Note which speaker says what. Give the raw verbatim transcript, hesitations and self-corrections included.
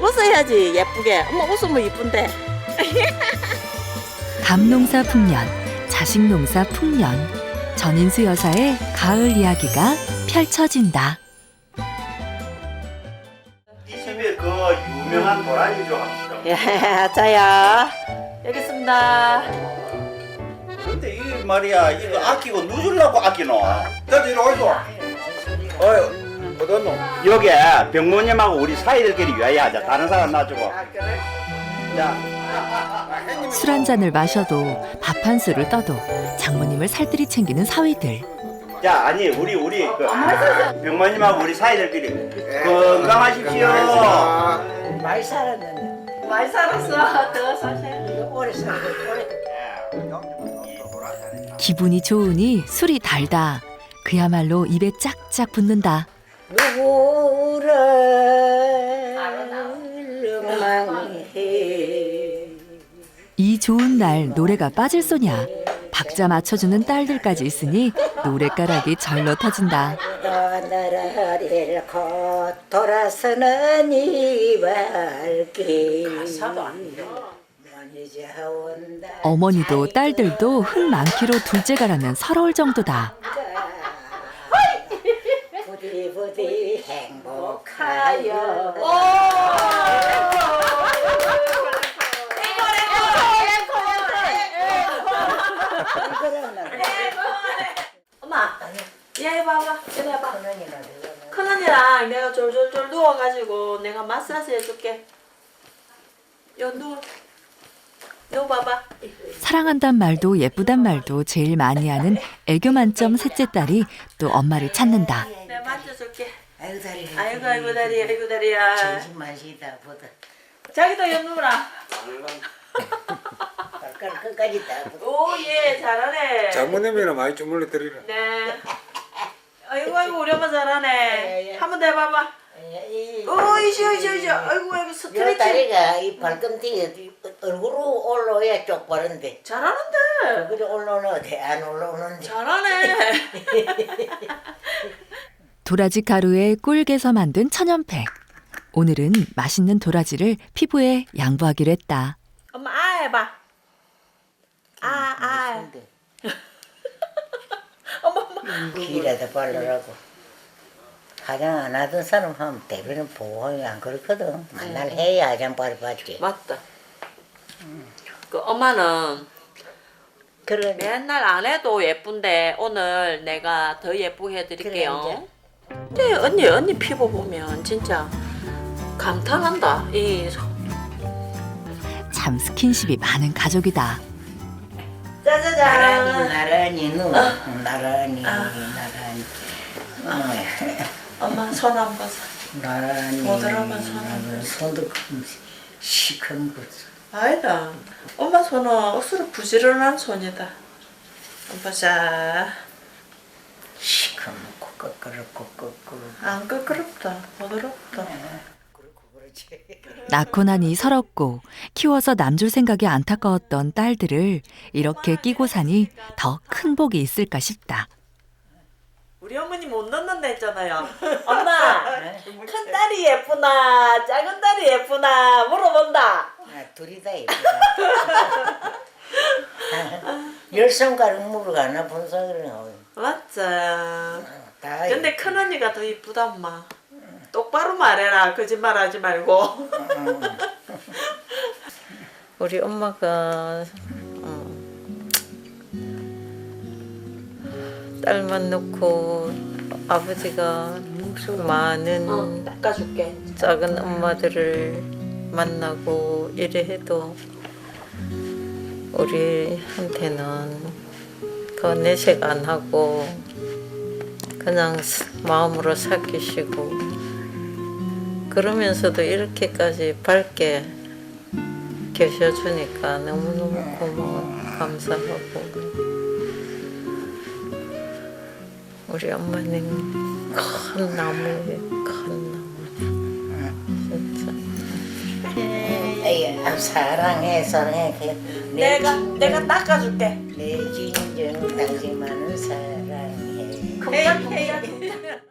Speaker 1: 웃어야지 예쁘게. 엄마 웃으면 이쁜데.
Speaker 2: 감농사 풍년, 자식농사 풍년. 전인수 여사의 가을 이야기가 펼쳐진다.
Speaker 3: 이 집에 그 유명한 도라지 좀 합시다.
Speaker 1: 예, 자야. 여기 있습니다.
Speaker 3: 근데 이 말이야 이거 아끼고 누주려고 아끼노. 나도 이리 오이소. 어이 어딨노? 여기 병모님하고 우리 사이들끼리 유야하자. 다른 사람 놔주고. 자.
Speaker 2: 술 한 잔을 마셔도 밥 한 술을 떠도 장모님을 살뜰히 챙기는 사위들.
Speaker 3: 자 아니 우리 우리 그 병모님하고 우리 사이들끼리 건강하십시오.
Speaker 4: 많이 살았는데
Speaker 1: 많이 살았어. 더 사세요.
Speaker 4: 오래 살고 오래
Speaker 2: 기분이 좋으니 술이 달다. 그야말로 입에 짝짝 붙는다.
Speaker 4: 누구를 망해
Speaker 2: 이 좋은 날 노래가 빠질 소냐. 박자 맞춰주는 딸들까지 있으니 노랫가락이 절로 터진다.
Speaker 4: 나라를 곧 돌아서는 이 발길
Speaker 2: 어머니도 딸들도 흥 많기로 둘째가라면 서러울 정도다.
Speaker 4: 부디 부디 행복하여
Speaker 1: 엄마, 얘 봐봐. 얘 봐봐. 큰언니랑 내가 졸졸졸 누워가지고 내가 마사지 해줄게. 요 누워. 요 봐봐.
Speaker 2: 사랑한단 말도 예쁘단 말도 제일 많이 하는 애교 만점 셋째 딸이 또 엄마를 찾는다.
Speaker 1: 내가 만져줄게.
Speaker 4: 아이고 다리
Speaker 1: 아이고 아이고 다리 아이고 다리야.
Speaker 4: 정신만 쉬다 보다
Speaker 1: 자기도 요 누워라.
Speaker 4: 발가락 끝까지 다
Speaker 1: 오예 잘하네.
Speaker 5: 장모님이나 많이 주물러 드리라.
Speaker 1: 네. 아이고 아이고 우리 엄마 잘하네. 한 번 더 해봐봐.
Speaker 4: 이
Speaker 1: 오 이시오 이시오 이시오. 아이고 아이고
Speaker 4: 요
Speaker 1: 스트레칭.
Speaker 4: 다리가 이 발꿈치에 얼굴로 올라와야 쪽바른데
Speaker 1: 잘하는데.
Speaker 4: 그래 올라오는데 안 올라오는데
Speaker 1: 잘하네.
Speaker 2: 도라지 가루에 꿀개서 만든 천연팩. 오늘은 맛있는 도라지를 피부에 양보하기로 했다.
Speaker 1: 엄마 아 해봐. 아 아. 엄마 엄마.
Speaker 4: 귀에다 발라라고 화장 안 하던 사람 하면 대부분 보호하면 안 그렇거든 맨날 해야 화장 바로 받지
Speaker 1: 맞다. 그 엄마는
Speaker 4: 그러네
Speaker 1: 맨날 안 해도 예쁜데 오늘 내가 더 예쁘게 해드릴게요. 근데 언니 언니 피부 보면 진짜 감탄한다. 이
Speaker 2: 참 스킨십이 많은 가족이다.
Speaker 4: 나란히
Speaker 1: 짜자잔.
Speaker 4: 나란히 누워 나란히 나란히
Speaker 1: 엄마 손 한번 사.
Speaker 4: 나란히
Speaker 1: 부드러운 손.
Speaker 4: 손도 시큰 거
Speaker 1: 아니다. 엄마 손은 억수로 부지런한 손이다. 엄마 자.
Speaker 4: 시커멓고 끄끄럽고 끄끄럽고
Speaker 1: 안 끄끄럽다. 부드럽다.
Speaker 4: 그렇고 그렇지
Speaker 2: 낳고 나니 서럽고 키워서 남줄 생각이 안타까웠던 딸들을 이렇게 끼고 사니 더 큰 복이 있을까 싶다.
Speaker 1: 우리 어머니 못 넣는다 했잖아요. 엄마, 큰 딸이 예쁘나, 작은 딸이 예쁘나 물어본다.
Speaker 4: 아, 둘이 다 예쁘다 열 손가락 물어가나 본사를
Speaker 1: 맞자.
Speaker 4: 다
Speaker 1: 근데 큰 언니가 더 이쁘다 엄마. 똑바로 말해라. 거짓말하지 말고. 우리 엄마가 어, 딸만 놓고 아버지가 많은 어, 닦아줄게. 작은 엄마들을 만나고 이래 해도 우리한테는 그 내색 안 하고 그냥 마음으로 사귀시고 그러면서도 이렇게까지 밝게 계셔주니까 너무너무 고마워 감사하고 우리 엄마는 큰 나무에 큰 나무 진짜
Speaker 4: 에이, 사랑해 사랑해
Speaker 1: 내가 내가 닦아줄게.
Speaker 4: 내 진정 당신만을 사랑해
Speaker 1: 해야 해야